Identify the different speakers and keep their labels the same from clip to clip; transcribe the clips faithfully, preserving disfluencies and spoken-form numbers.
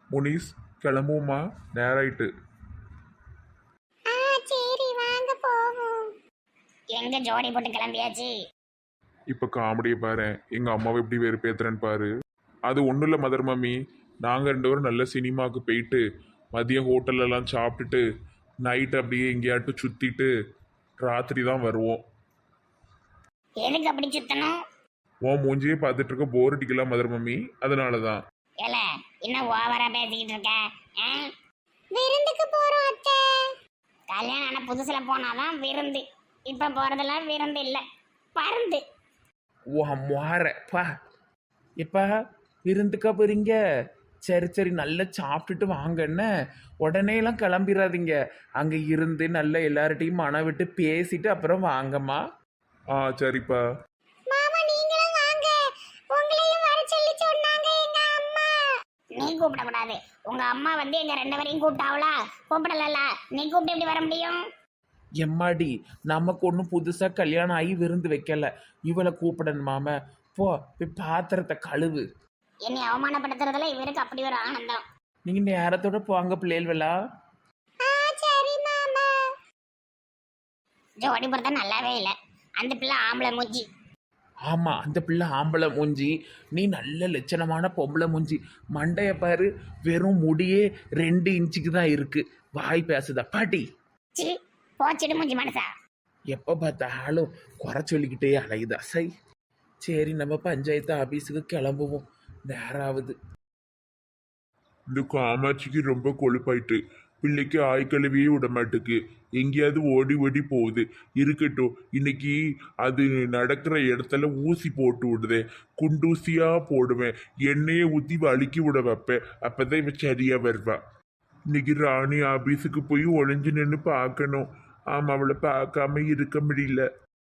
Speaker 1: முனிஸ் கிளம்புவோமா? நேராயிட்டு.
Speaker 2: ஆ சரி வாங்க போவோம். எங்க ஜோடி போட்டு கிளம்பியாச்சு.
Speaker 1: இப்போ காமெடியை பாரு, எங்கள் அம்மாவை எப்படி வெறுப்பேத்துறேன்னு பாரு. அது ஒன்றும் இல்லை மதர் மம்மி, நாங்கள் ரெண்டு பேரும் நல்ல சினிமாவுக்கு போயிட்டு மதியம் ஹோட்டல்லலாம் சாப்பிட்டுட்டு நைட் அப்படியே எங்கேயாட்டும் சுற்றிட்டு ராத்திரி தான் வருவோம்.
Speaker 2: எதுக்கு அப்படி சுத்தணும்?
Speaker 1: உன் மூஞ்சியே பார்த்துட்டு இருக்க போர் அடிக்கலாம் மதர் மம்மி, அதனால தான்.
Speaker 2: ஏல இன்னும் ஓவரா பேசிக்கிட்டு இருக்க. ஆ? விருந்துக்கு போறோம் அத்தை. கல்யாணம் ஆன புதுசுல போனாதான் விருந்து, இப்ப போறதெல்லாம் விருந்து இல்ல, பருந்து.
Speaker 3: ஓ மாறப்பா எப்பா விருந்துக்கா போறீங்க? சரி சரி நல்லா சாப்பிட்டுட்டு வாங்கன்னு உடனேலாம் கிளம்பிடாதீங்க. அங்கே இருந்து நல்ல எல்லார்ட்டையும் மனம் விட்டு பேசிட்டு அப்புறம் வாங்கம்மா.
Speaker 1: ஆ சரிப்பா.
Speaker 2: மாமா நீங்களும் வாங்க, உங்களையும் வர சொல்லி சொன்னாங்க எங்க அம்மா. நீ கூப்பிட கூடாது, உங்க அம்மா வந்து எங்க ரெண்டு பேரையும் கூப்பிட்டாவளா? கூப்பிடல, நீ கூப்பிட்டு எப்படி வர முடியும்?
Speaker 3: எம்மாடி நமக்கு ஒன்றும் புதுசாக கல்யாணம் ஆகி விருந்து வைக்கல, இவளை கூப்பிடணுமாம. போ போய் பாத்திரத்தை கழுவு.
Speaker 2: என்னை அவமானப்படுத்துறதுல இவருக்கு அப்படி ஒரு ஆனந்தம்.
Speaker 3: நீங்கள் நேரத்தோட போங்க பிள்ளைகளா.
Speaker 2: சரி மாமா. ஜோடி பொறுத்த நல்லாவே இல்லை, அந்த பிள்ளை ஆம்பளை மூஞ்சி.
Speaker 3: ஆமாம் அந்த பிள்ளை ஆம்பளை மூஞ்சி, நீ நல்ல லட்சணமான பொம்பளை மூஞ்சி. மண்டைய பாரு, வெறும் முடியே ரெண்டு இன்ச்சுக்கு தான் இருக்கு. வாய் பேசுதா பாட்டி?
Speaker 2: சி போச்சிடு மூஞ்சி மனசா.
Speaker 3: எப்போ பார்த்தாலும் குறை சொல்லிக்கிட்டே அலையுதா சை. சரி நம்ம பஞ்சாயத்து ஆஃபீஸுக்கு கிளம்புவோம், நேரம் ஆகுது.
Speaker 1: இந்த காமாட்சிக்கு ரொம்ப கொழுப்பாயிட்டு, பிள்ளைக்கு ஆய் கழுவியே விட மாட்டுக்கு, எங்கேயாவது ஓடி ஓடி போகுது. இருக்கட்டும், இன்னைக்கு அது நடக்கிற இடத்துல ஊசி போட்டு விடுதே, குண்டூசியா போடுவேன், எண்ணெயை ஊற்றி வலிக்கி விட வைப்பேன், அப்பதான் இவன் சரியா வருவா. இன்னைக்கு ராணி ஆபீஸுக்கு போய் ஒளிஞ்சு நின்று பார்க்கணும். ஆமா, அவளை பார்க்காம இருக்க முடியல.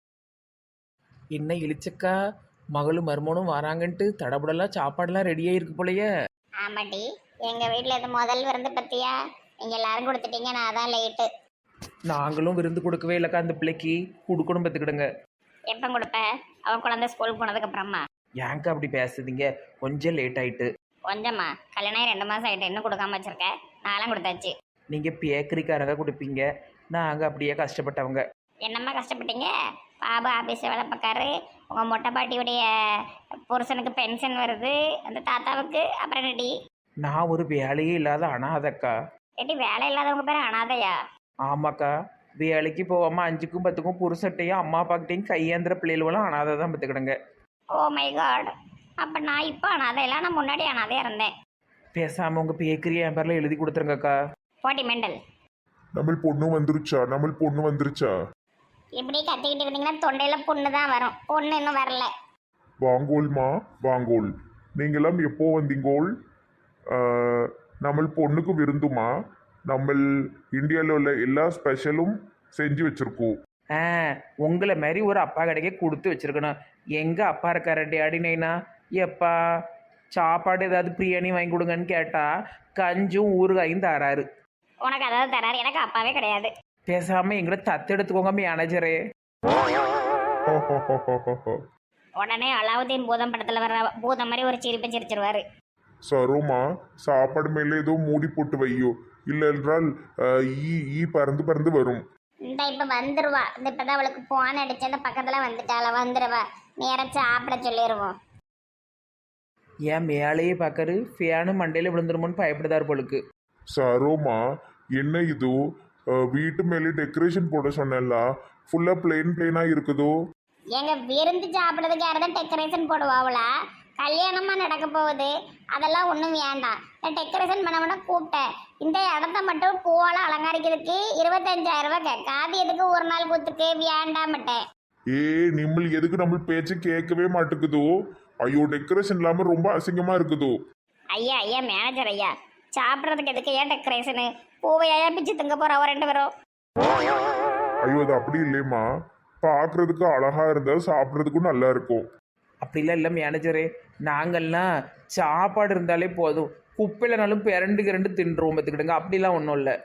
Speaker 3: என்ன இழிச்சக்கா, மகளும் மருமனும் வராங்கன்ட்டு தடபுடலாம் சாப்பாடெல்லாம் ரெடியாக இருக்கு போலையே.
Speaker 2: ஆமாட்டி, எங்க வீட்டுல இது முதல் விருந்து பத்தியா? நீங்க எல்லாரும் கொடுத்துட்டீங்க, நான் தான் லேட்டு.
Speaker 3: நாங்களும் விருந்து கொடுக்கவே இல்லைக்கா, அந்த பிள்ளைக்கு கொடுக்கணும் பார்த்துக்கிடுங்க.
Speaker 2: எப்போ கொடுப்ப? அவன் குழந்தை ஸ்கூல் போனதுக்கு அப்புறமா.
Speaker 3: ஏங்க அப்படி பேசுதீங்க, கொஞ்சம் லேட் ஆயிட்டு.
Speaker 2: கொஞ்சமா? கல்யாணம் ஆகி ரெண்டு மாசம் ஆயிட்டு, இன்னும் கொடுக்காம வச்சிருக்க. நான்லாம் கொடுத்தாச்சு.
Speaker 3: நீங்கள் பேக்கரிக்காரங்க கொடுப்பீங்க, நாங்கள் அப்படியே கஷ்டப்பட்டவங்க.
Speaker 2: என்னம்மா கஷ்டப்பட்டீங்க? பாபு ஆஃபீஸில் வேலை பார்க்காரு, உங்கள் மொட்டை பாட்டியுடைய புருஷனுக்கு பென்ஷன் வருது, அந்த தாத்தாவுக்கு அப்புறம் ரெடி.
Speaker 3: நான் ஒரு வேலையே இல்லாத அனாதக்கா.
Speaker 2: ஏட்டி வேலை இல்லாதவங்க பேர் அனாதையா?
Speaker 3: ஆமாக்கா, வேலைக்கு போகாமல் அஞ்சுக்கும் பத்துக்கும் புருஷட்டையும் அம்மா அப்பாக்கிட்டையும் கையேந்திர பிள்ளைகளும் அனாதை தான் பார்த்துக்கிடுங்க.
Speaker 2: ஓ மை காட், அப்போ நான் இப்போ அனாதை இல்லை, நான் முன்னாடி அனாதையாக இருந்தேன்.
Speaker 3: பேசாமல் உங்கள் பேக்கரி என் பேரில் எழுதி கொடுத்துருங்கக்கா.
Speaker 2: போட்டி மெண்டல்.
Speaker 1: நம்ம பொண்ணு வந்துருச்சா? நம்ம பொண்ணு வந்துருச்சா?
Speaker 2: இப்படி கத்திக்கிட்டு இருந்தீங்கன்னா தொண்டையில் புண்ணு தான் வரும், பொண்ணு இன்னும் வரல.
Speaker 1: வாங்கோல்மா வாங்கோல், நீங்களாம் எப்போ வந்தீங்கோல்? நம்ம பொண்ணுக்கு விருந்துமா? நம்ம இந்தியாவில் உள்ள எல்லா ஸ்பெஷலும் செஞ்சு வச்சுருக்கோம்.
Speaker 3: ஆ உங்களை மாதிரி ஒரு அப்பா கடைக்கே கொடுத்து வச்சுருக்கணும். எங்கள் அப்பா இருக்கார டேடினேனா, எப்பா சாப்பாடு ஏதாவது பிரியாணி வாங்கி கொடுங்கன்னு கேட்டால் கஞ்சும் ஊறுகாயும் தராரு.
Speaker 2: உனக்கு அதாவது தராரு, எனக்கு அப்பாவே கிடையாது.
Speaker 3: பேசாமல் எங்களை தத்தெடுத்துக்கோங்க மேனேஜரே.
Speaker 2: உடனே அலாவுதீன் பூதம் படத்தில் வர பூதம் மாதிரி ஒரு சிரிப்பை சிரிச்சிருவாரு.
Speaker 1: சரோமா, சாப்பாடு மேலே ஏதோ மூடி போட்டு வையோ, இல்லை என்றால் ஈ ஈ பறந்து பறந்து வரும்.
Speaker 2: இந்த இப்போ வந்துருவா, இந்த இப்போதான் அவளுக்கு போன் அடிச்சு அந்த பக்கத்தில் வந்துட்டாள, வந்துடுவா. நேரம் சாப்பிட சொல்லிடுவோம்.
Speaker 3: ஏன் மேலேயே பார்க்கரு, ஃபேனு மண்டையில் விழுந்துருமோன்னு பயப்படுதார் போலுக்கு.
Speaker 1: சரோமா, என்ன இது வீட்டு மேலே டெக்கரேஷன் போட சொன்னல, ஃபுல்லாக பிளெயின் பிளெயினாக இருக்குதோ?
Speaker 2: எங்க விருந்து சாப்பிட்றதுக்கு யாராவது டெக்கரேஷன் போடுவாங்களா? கல்யாணமாக நடக்க போகுது, அதெல்லாம் ஒன்றும் வேண்டாம். நான் டெக்கரேஷன் பண்ண கூப்பிட்டேன். இந்த இடத்த மட்டும் பூவால் அலங்கரிக்கிறதுக்கு இருபத்தஞ்சாயிரம் ரூபாய் கேட்க, அது எதுக்கு ஒரு நாள் கூத்துக்கு வேண்டாமட்டேன்.
Speaker 1: ஏ நிம்மல், எதுக்கு நம்ம பேச்சு கேட்கவே மாட்டேங்குதோ? ஐயோ, டெக்கரேஷன் இல்லாமல் ரொம்ப அசிங்கமாக இருக்குதோ?
Speaker 2: ஐயா ஐயா மேனேஜர் ஐயா, சாப்பிட்றதுக்கு எதுக்கு ஏன் டெக்கரேஷனு? பூவையா பிச்சு திங்க போகிறோம் ரெண்டு பேரும்.
Speaker 1: ஐயோ, அது அப்படி இல்லையம்மா, பார்க்குறதுக்கு அழகாக இருந்தால் சாப்பிட்றதுக்கும் நல்லா இருக்கும்.
Speaker 3: அப்படிலாம் இல்லை மேனேஜரே, நாங்கள்லாம் சாப்பாடு இருந்தாலே போதும், குப்பையிலனாலும் பிறண்டு ரெண்டு தின்றுவோம் பார்த்துக்கிடுங்க. அப்படிலாம் ஒன்றும் இல்லை.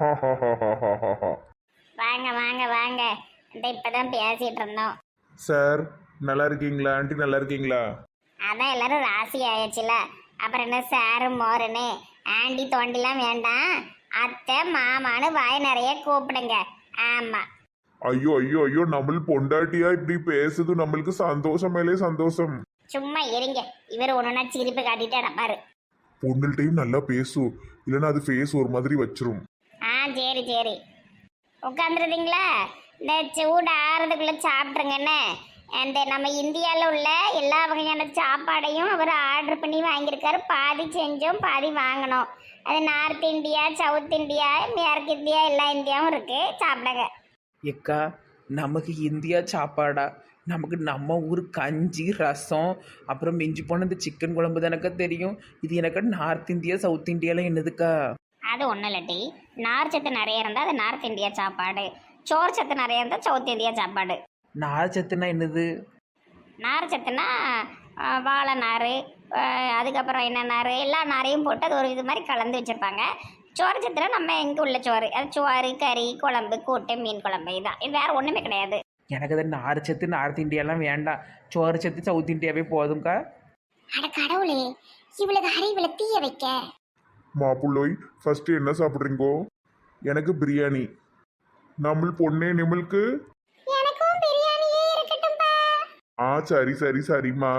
Speaker 2: வாங்க வாங்க வாங்க, இந்த இப்பதான் பேசிட்டு இருந்தோம்.
Speaker 1: சார் நல்லா இருக்கீங்களா? ஆண்டி நல்லா இருக்கீங்களா?
Speaker 2: அதான் எல்லாரும் ராசி ஆயிடுச்சுல, அப்புறம் என்ன சாரு மோருன்னு ஆண்டி தோண்டிலாம் வேண்டாம். அத்தை மாமான்னு வாய் நிறைய கூப்பிடுங்க. ஆமா.
Speaker 1: ஐயோ ஐயோ ஐயோ நம்ம பொண்டாட்டியா இப்படி பேசுது நம்மளுக்கு சந்தோஷம் மேலே சந்தோஷம்.
Speaker 2: சும்மா இருங்க. இவர் ஒண்ணுன்னா சிரிப்பு காட்டிட்டு நடப்பாரு.
Speaker 1: பொண்ணுகிட்டையும் நல்லா பேசும், இல்லைன்னா அது ஃபேஸ் ஒரு மாதிரி வச்சிரும்.
Speaker 2: ஆ சரி சரி, உட்காந்துருந்தீங்களா? இந்த சூடு ஆறுறதுக்குள்ள சாப்பிட்ருங்கண்ணே. அந்த நம்ம இந்தியாவில் உள்ள எல்லா வகையான சாப்பாடையும் அவர் ஆர்டர் பண்ணி வாங்கியிருக்காரு. பாதி செஞ்சோம், பாதி வாங்கினோம். அது நார்த் இந்தியா, சவுத் இந்தியா, மேற்கு இந்தியா, எல்லா இந்தியாவும் இருக்கு. சாப்பிடுங்க.
Speaker 3: எக்கா நமக்கு இந்தியா சாப்பாடா? நமக்கு நம்ம ஊர் கஞ்சி ரசம் அப்புறம் மிஞ்சி போன இந்த சிக்கன் குழம்பு தானக்கா தெரியும். இது எனக்கு நார்த் இந்தியா சவுத் இந்தியாலாம் என்னதுக்கா?
Speaker 2: அது ஒன்றும் இல்லாட்டி நார் சத்து நிறைய இருந்தால் அது நார்த் இந்தியா சாப்பாடு, சோறு சத்து நிறைய இருந்தால் சவுத் இந்தியா சாப்பாடு.
Speaker 3: நார் சத்துனா என்னது?
Speaker 2: நார் சத்துனா ஆஹ், வாழை நார், ஆஹ், அதுக்கப்புறம் என்ன நார், எல்லா நாரையும் போட்டு அது ஒரு இது மாதிரி கலந்து வச்சுருப்பாங்க. சோறு சத்துனா நம்ம எங்கே உள்ள சோறு, அது சோறு கறி குழம்பு கூட்டு மீன் குழம்பு, இதுதான். இது வேறு ஒன்றுமே கிடையாது.
Speaker 3: எனக்கு அது நார் சத்து நார்த் இந்தியாலாம் வேண்டாம், சோறு சத்து சவுத் இந்தியாவே போதும்க்கா.
Speaker 2: அட கடவுளே, இவளுக்கு அறிவுல தீய வைக்க.
Speaker 1: மாப்புள்ளோய் ஃபர்ஸ்ட் என்ன சாப்பிட்றீங்கோ? எனக்கு பிரியாணி. நம்ம பொண்ணே நிமிழ்க்கு.
Speaker 2: எனக்கும் பிரியாணியே இருக்கட்டும்பா.
Speaker 1: ஆ சரி சரி சரிம்மா.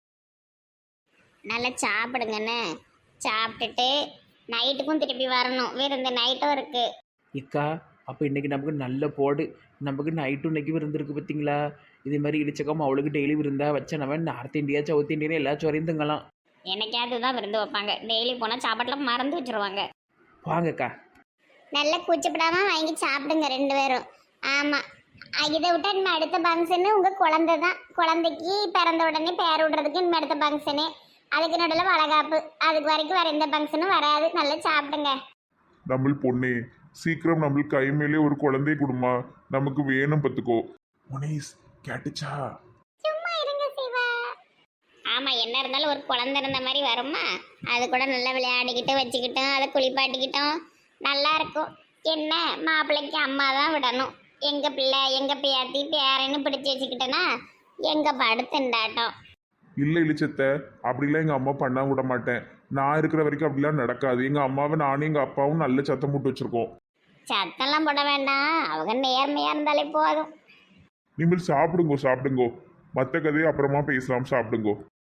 Speaker 2: நல்லா சாப்பிடுங்கண்ணே. சாப்பிட்டுட்டு நைட்டுக்கும் திருப்பி வரணும். விருந்து நைட்டும் இருக்கு.
Speaker 3: இக்கா அப்போ இன்றைக்கி நமக்கு நல்ல போடு. நமக்கு நைட்டு இன்னைக்கு விருந்துருக்கு பார்த்தீங்களா? இதே மாதிரி இடிச்சக்காம அவளுக்கு டெய்லி விருந்தா வச்சா நம்ம நார்த் இந்தியா சவுத் இந்தியா எல்லா சோறையும் திங்கலாம்.
Speaker 2: என்னைக்காவது தான் விருந்து வைப்பாங்க. டெய்லி போனால் சாப்பாட்டில் மறந்து வச்சிருவாங்க.
Speaker 3: வாங்கக்கா.
Speaker 2: நல்லா கூச்சப்படாம வாங்கி சாப்பிடுங்க ரெண்டு பேரும். ஆமாம், இதை விட்டா இனிமே அடுத்த ஃபங்க்ஷனு உங்கள் குழந்தை தான். குழந்தைக்கு பிறந்த உடனே பேர் விடுறதுக்கு இனிமே அடுத்த ஃபங்க்ஷனு, அதுக்கு நடுவில் வளகாப்பு. அதுக்கு வரைக்கும் வேறு எந்த ஃபங்க்ஷனும் வராது. நல்லா சாப்பிடுங்க.
Speaker 1: நம்ம பொண்ணே சீக்கிரம் நம்ம கை மேலே ஒரு குழந்தை கொடுமா, நமக்கு வேணும் பத்துக்கோ. முனேஷ் கேட்டுச்சா?
Speaker 2: சும்மா இருங்க சிவா. ஆமா, என்ன இருந்தாலும் ஒரு குழந்தை இருந்த மாதிரி வருமா? அது கூட நல்லா விளையாடிக்கிட்டு வச்சுக்கிட்டோம், அதை குளிப்பாட்டிக்கிட்டோம், நல்லா இருக்கும். என்ன மாப்பிள்ளைக்கு அம்மா தான் விடணும். எங்க பிள்ளை எங்க பேத்தி பேரன்னு பிடிச்சி வச்சுக்கிட்டேன்னா எங்க படுத்துண்டாட்டம்.
Speaker 1: இல்லை இளிச்சத்த, அப்படிலாம் எங்கள் அம்மா பண்ண விட மாட்டேன். நான் இருக்கிற வரைக்கும் அப்படிலாம் நடக்காது. எங்கள் அம்மாவை நானும் எங்கள் அப்பாவும் நல்ல சத்தம் போட்டு வச்சுருக்கோம்.
Speaker 2: சத்தம்லாம் போட வேண்டாம், அவங்க நேர்மையா இருந்தாலே போதும்.
Speaker 1: நீங்கள் சாப்பிடுங்கோ சாப்பிடுங்கோ, மற்ற கதையை அப்புறமா பேசலாம். சாப்பிடுங்கோ.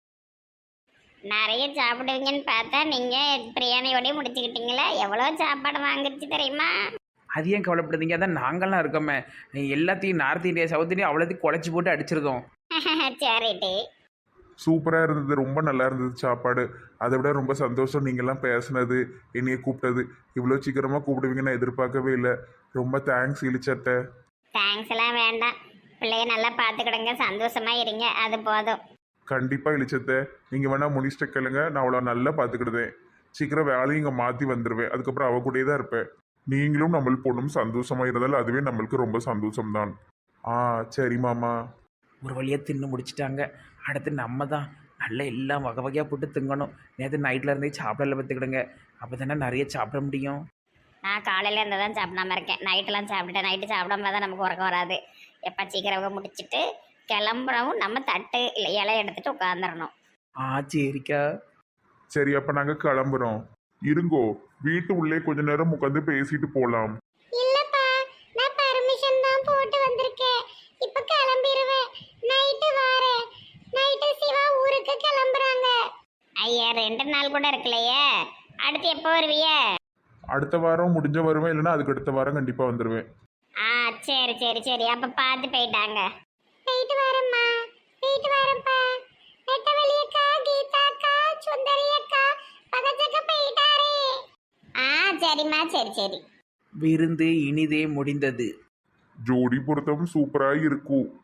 Speaker 2: நிறைய சாப்பிடுவீங்கன்னு பார்த்தா நீங்க பிரியாணியோடய முடிச்சுக்கிட்டீங்களே. எவ்வளோ சாப்பாடு வாங்கிடுச்சு தெரியுமா?
Speaker 3: அது ஏன் கவலைப்படுறீங்க? அதான் நாங்கள்லாம் இருக்கோமே. எல்லாத்தையும் நார்த் இந்தியா சவுத் இந்தியா அவ்வளோத்தையும் குழச்சி போட்டு அடிச்சிருக்கோம்.
Speaker 2: சரிட்டி.
Speaker 1: சூப்பராக இருந்தது, ரொம்ப நல்லா இருந்தது சாப்பாடு. அதை விட ரொம்ப சந்தோஷம் நீங்கள்லாம் பேசுனது, என்னைய கூப்பிட்டது. இவ்வளோ சீக்கிரமாக கூப்பிடுவீங்க நான் எதிர்பார்க்கவே இல்லை. ரொம்ப தேங்க்ஸ் இளிச்சத்தை.
Speaker 2: தேங்க்ஸ் எல்லாம் வேண்டாம். பிள்ளைய நல்லா பார்த்துக்கிடுங்க, சந்தோஷமா இருங்க, அது போதும்.
Speaker 1: கண்டிப்பாக இளிச்சத்தை. நீங்கள் வேணால் முனிஷ்ட கேளுங்க, நான் அவ்வளோ நல்லா பார்த்துக்கிடுதேன். சீக்கிரம் வேலையும் இங்கே மாற்றி வந்துடுவேன். அதுக்கப்புறம் அவ கூடயே தான் இருப்பேன். நீங்களும் நம்ம பொண்ணும் சந்தோஷமாக இருந்தாலும் அதுவே நம்மளுக்கு ரொம்ப சந்தோஷம்தான். ஆ சரி மாமா.
Speaker 3: ஒரு வழியாக தின்னு முடிச்சிட்டாங்க. அடுத்து நம்ம தான் நல்ல எல்லாம் வகை வகையாக போட்டு திங்கணும். நேற்று நைட்டில் இருந்தே சாப்பிடல பார்த்துக்கிடுங்க. அப்போ தானே நிறைய சாப்பிட முடியும்.
Speaker 2: நான் காலையில இருந்து தான் சாப்பிடாம இருக்கேன். நைட்டெல்லாம் சாப்பிட்டேன். நைட்டு சாப்பிடாம தான் நமக்கு உறக்கம் வராது. எப்போ சீக்கிரம் முடிச்சுட்டு கிளம்புறவும் நம்ம தட்டு இல்லை இலை எடுத்துட்டு உட்காந்துடணும்.
Speaker 3: ஆ சரிக்கா.
Speaker 1: சரி அப்போ நாங்கள் கிளம்புறோம். இருங்கோ, வீட்டு உள்ளே கொஞ்ச நேரம் உட்காந்து பேசிட்டு போகலாம்.
Speaker 2: இல்லப்பா, நான் பர்மிஷன் தான் போட்டு வந்திருக்கேன். இப்ப கிளம்பிடுவேன். நைட்டு வாரேன். நைட்டு சிவா ஊருக்கு கிளம்புறாங்க. ஐயா, ரெண்டு நாள் கூட இருக்கலையே. அடுத்து எப்போ வருவிய?
Speaker 1: அடுத்த வாரம் முடிஞ்ச வருவேன், இல்லைன்னா அதுக்கு அடுத்த வாரம் கண்டிப்பாக வந்துடுவேன்.
Speaker 2: ஆ சரி சரி சரி, அப்ப பார்த்து போயிட்டாங்க. போயிட்டு வரேம்மா. போயிட்டு வரேன்ப்பா. நெட்டவெளி அக்கா, கீதா அக்கா, சுந்தரி அக்கா, பக்கத்துக்கு போயிட்டாரே. ஆ சரிம்மா, சரி சரி.
Speaker 3: விருந்து இனிதே முடிந்தது.
Speaker 1: ஜோடி பொருத்தம் சூப்பராக இருக்கும்.